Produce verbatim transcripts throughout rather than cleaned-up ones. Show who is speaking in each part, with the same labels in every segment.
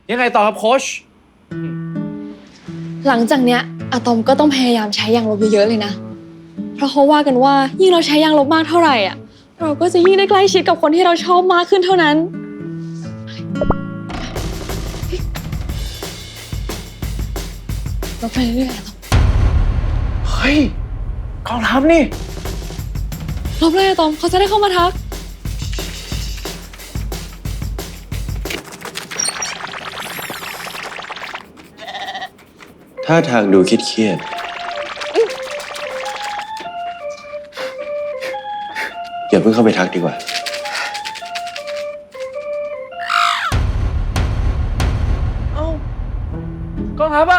Speaker 1: ยังไงต่อครับโค้ช
Speaker 2: หลังจากเนี้ยอะตอมก็ต้องพยายามใช้ยางลบเยอะๆเลยนะ เพราะเขาว่ากันว่ายิ่งเราใช้ยางลบมากเท่าไหร่อ่ะเราก็จะยิ่งได้ใกล้ชิดกับคนที่เราชอบมากขึ้นเท่านั้นลบไปเรื่อยๆอะตอม
Speaker 1: เฮ้ยกองทัพนี่
Speaker 2: ลบเลยอะตอมเขาจะได้เข้ามาทัก
Speaker 3: ท่าทางดูเครียดๆอย่าเพิ่งเข้าไปทักดีกว่า
Speaker 1: เอ้ากองทัพอ่ะ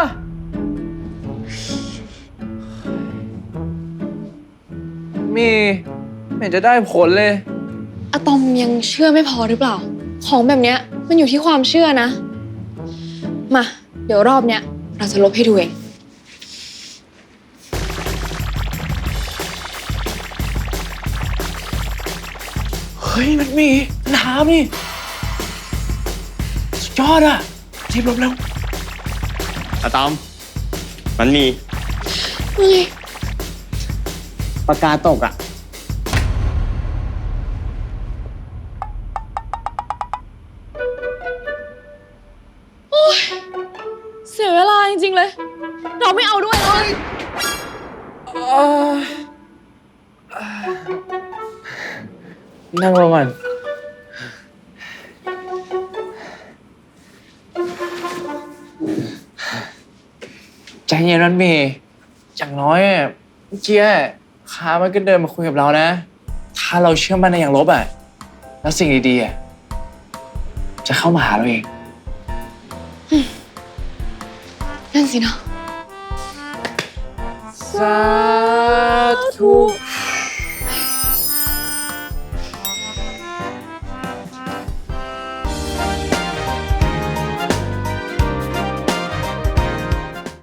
Speaker 1: มีไม่เห็นจะได้ผลเลย
Speaker 2: อะตอมยังเชื่อไม่พอหรือเปล่า ของแบบเนี้ยมันอยู่ที่ความเชื่อนะ มา เดี๋ยวรอบเนี้ยเราจะลบให้ดูเอง
Speaker 1: เฮ้ยมันมีน้ำนี่สุดยอดอ่ะรีบลบแล้ว
Speaker 3: อะตอม มันมี
Speaker 2: เฮ้ย
Speaker 4: ปากกาตกอ่ะ
Speaker 2: เสียเวลาจริงๆเลย เราไม่เอาด้วยเลย
Speaker 1: นั่งลงก่อนใจเย็นนันเมย์อย่างน้อยอะเมื่อกี้ค้ามันก็เดินมาคุยกับเรานะ ถ้าเราเชื่อมั่นในอย่างลบอ่ะ แล้วสิ่งดีๆอ่ะจะเข้ามาหาเราเอง
Speaker 2: นั่นสินะ
Speaker 1: สาธุ